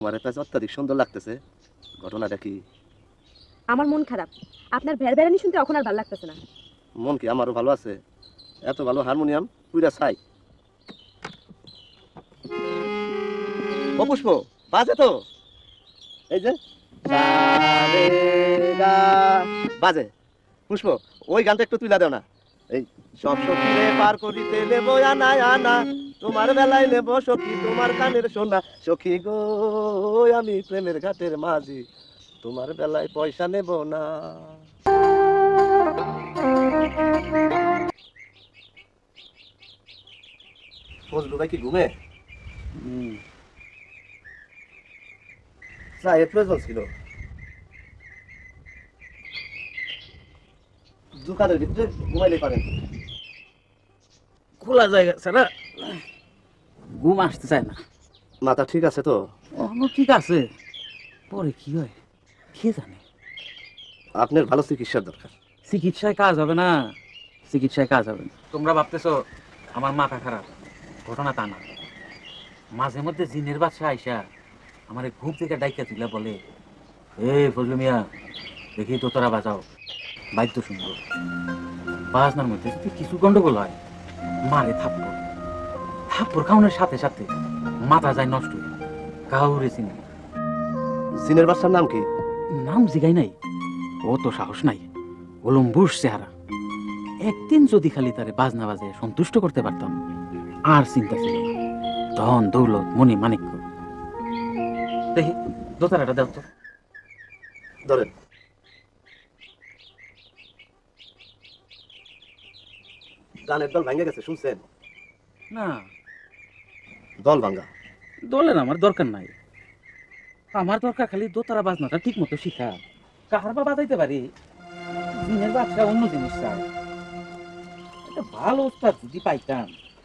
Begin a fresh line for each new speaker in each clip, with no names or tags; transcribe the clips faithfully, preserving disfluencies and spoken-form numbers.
তোমার কাছে অত্যাধিক সুন্দর লাগতেছে, ঘটনাটা কি?
আমার মন খারাপ, আপনার ভেড়ভেড়ানি শুনতে এখন আর ভালো লাগতেছে না।
মন কি আমারও ভালো আছে? এত ভালো হারমোনিয়াম পুরা ছাই। ও পুষ্প, বাজে তো, এই যে সা রে গা, বাজে। পুষ্প, ওই গানটা একটু তুইলা দাও না। এই সব সখীরে পার করিতে নেব আনা আনা, তোমার বেলায় নেব সখী তোমার কানের সোনা। সখী গো আমি প্রেমের ঘাটের মাঝি, তোমার বেলায় পয়সা নেব না। ফজলু ভাই কি ঘুমে? চায়ের প্রয়োজন ছিল। দোকানের ভিতরে ঘুমাইলে পারেন।
খোলা জায়গা ছাড়া ঘুম আসতে চায় না।
মাথা ঠিক আছে তো?
অন্য ঠিক আছে, পরে কি হয় কে জানে।
আপনার ভালো চিকিৎসার দরকার।
চিকিৎসায় কাজ হবে না, চিকিৎসায় কাজ হবে না। তোমরা ভাবতেছো আমার মাথা খারাপ, ঘটনা তা না। মাঝে মধ্যে জিনের বাচ্চা আইসা আমার ঘুম থেকে ডাইকা তুলে বলে, এ ফজলু মিয়া দেখি তো তোরা বাজাও, বাদ্য শুনবো। বাজনার মধ্যে যদি কিছু গন্ডগোল হয়, মারে থাপ্পড়। থাপ্পড় খাওয়ানোর সাথে সাথে মাথা যায় নষ্ট হয়ে, কাউরে চিনি।
জিনের বাচ্চার নাম কি?
নাম জিগাই নাই, ও তো সাহস নাই, গোলম্বুস চেহারা। একদিন যদি খালি তারে বাজনা বাজে সন্তুষ্ট করতে পারতাম, আর চিন্তা ছিল না। ধন দৌলত মনি মানিক্য। দেখি দোতারাটা দেও তো।
ধরেন। গানের দল ভাঙে গেছে, শুনছেন?
না,
দল ভাঙ্গা।
দলের আমার দরকার নাই। আমার দরকার খালি দোতারা বাজনাটা ঠিক মতো শিখা। কাহার বা বাজাইতে পারি, জিনের বাচ্চা অন্য জিনিস চায়। একটা ভালো উস্তাদ যদি পাইতাম।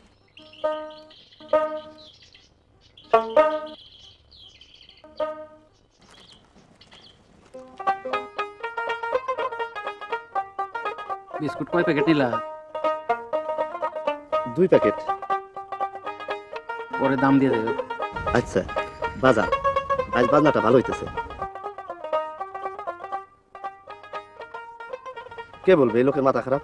বিস্কুট কয় প্যাকেট নিলা?
দুই প্যাকেট।
পরে দাম দিয়ে দেবে।
আচ্ছা, বাজা, আজ বাজনাটা ভালো হইতেছে। কে বলবে এই লোকের মাথা খারাপ?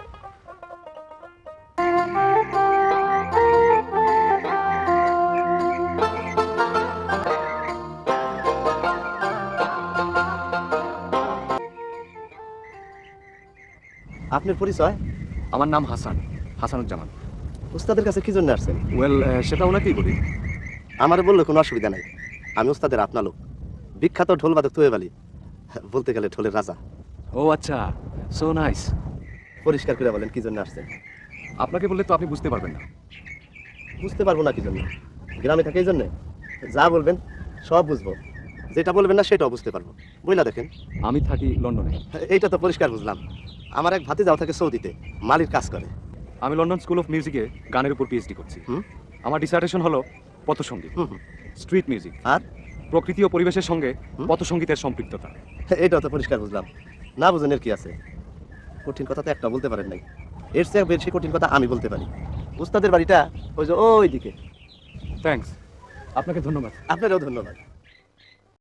আপনার পরিচয়?
আমার নাম হাসান, হাসানুজ্জামান।
উস্তাদের কাছে কি জন্য আসছেন?
ওয়েল, সেটা ওনাকেই বলি।
আমার বললে কোনো অসুবিধা নাই, আমি উস্তাদের আপনা লোক, বিখ্যাত ঢোল বাদক তোয়েব আলী, বলতে গেলে ঢোলের রাজা।
ও আচ্ছা, সো নাইস।
পরিষ্কার করে বলেন কি জন্য আসছেন?
আপনাকে বললে তো আপনি বুঝতে পারবেন না।
বুঝতে পারবো না কি জন্য? গ্রামে থাকে এই জন্যে? যা বলবেন সব বুঝবো, যেটা বলবেন না সেটাও বুঝতে পারবো। বইলা দেখেন।
আমি থাকি লন্ডনে।
এইটা তো পরিষ্কার বুঝলাম। আমার এক ভাতিজাও থাকে সৌদিতে, মালির কাজ করে।
আমি লন্ডন স্কুল অফ মিউজিকে গানের উপর পিএইচডি করছি।
হুম।
আমার ডিসার্টেশন হলো পথসঙ্গীত,
হুম হুম।
স্ট্রিট মিউজিক
আর
প্রকৃতি ও পরিবেশের সঙ্গে
হুম।
পথসঙ্গীতের সম্পৃক্ততা।
এইটাও তো পরিষ্কার বুঝলাম। না বুঝেন এর কি আছে? কঠিন কথা তো একটা বলতে পারেন নাই, এর চেয়ে বেশি কঠিন কথা আমি বলতে পারি। উস্তাদের বাড়িটা ওই যে ওই দিকে।
থ্যাঙ্কস, আপনাকে ধন্যবাদ।
আপনারও ধন্যবাদ।